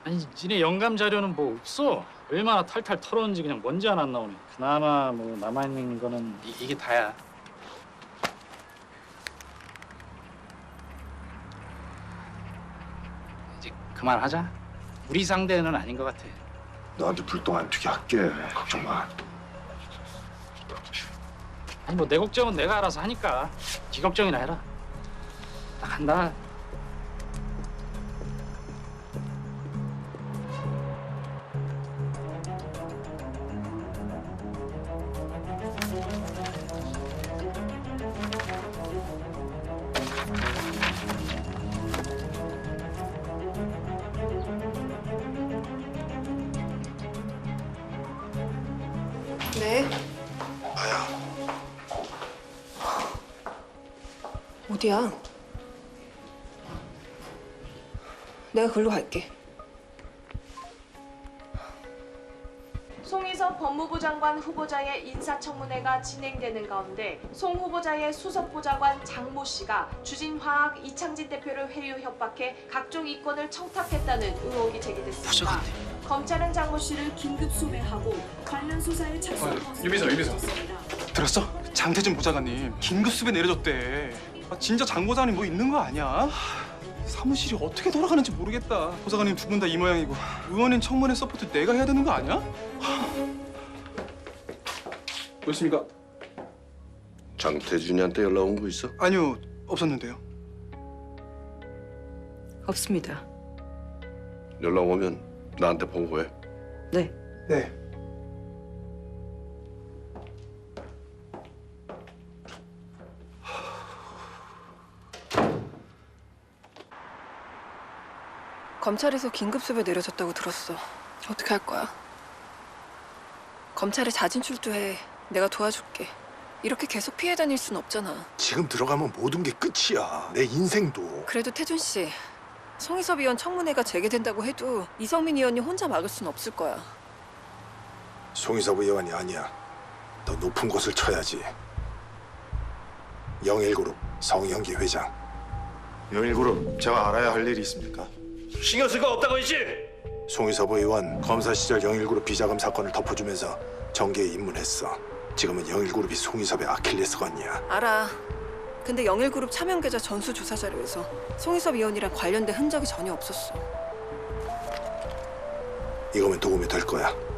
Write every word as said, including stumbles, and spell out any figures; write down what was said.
아니 니네 영감 자료는 뭐 없어? 얼마나 탈탈 털었는지 그냥 먼지 하나 안 나오네. 그나마 뭐 남아있는 거는 이, 이게 다야. 이제 그만하자. 우리 상대는 아닌 것 같아. 너한테 불똥 안 튀게 할게. 걱정 마. 아니 뭐 내 걱정은 내가 알아서 하니까 네 걱정이나 해라. 나 간다. 네. 아야. 어디야? 내가 글로 갈게. 송희섭 법무부 장관 후보자의 인사청문회가 진행되는 가운데 송 후보자의 수석보좌관 장모 씨가 주진화학 이창진 대표를 회유 협박해 각종 이권을 청탁했다는 의혹이 제기됐습니다. 검찰은 장모 씨를 긴급 소배하고 관련 수사에 착수한 것으로 유비서, 유비서. 알려졌습니다. 들었어? 장태진 보좌관님 긴급 수배 내려줬대. 아, 진짜 장 보좌관님 뭐 있는 거 아니야? 하, 사무실이 어떻게 돌아가는지 모르겠다. 보좌관님 두 분 다 이 모양이고 의원인 청문회 서포트 내가 해야 되는 거 아니야? 하. 뭐였습니까? 장태준이한테 연락 온 거 있어? 아니요, 없었는데요. 없습니다. 연락 오면 나한테 보고해. 네. 네. 검찰에서 긴급 수배 내려졌다고 들었어. 어떻게 할 거야? 검찰에 자진 출두해. 내가 도와줄게. 이렇게 계속 피해 다닐 순 없잖아. 지금 들어가면 모든 게 끝이야. 내 인생도. 그래도 태준 씨, 송희섭 의원 청문회가 재개된다고 해도 이성민 의원이 혼자 막을 순 없을 거야. 송희섭 의원이 아니야. 더 높은 곳을 쳐야지. 영일그룹 성형기 회장. 영일그룹 제가 알아야 할 일이 있습니까? 신경 쓸 거 없다고 했지? 송희섭 의원 검사 시절 영일그룹 비자금 사건을 덮어주면서 정계에 입문했어. 지금은 영일그룹이 송희섭의 아킬레스건이야. 알아. 근데 영일그룹 차명 계좌 전수 조사 자료에서 송희섭 의원이랑 관련된 흔적이 전혀 없었어. 이거면 도움이 될 거야.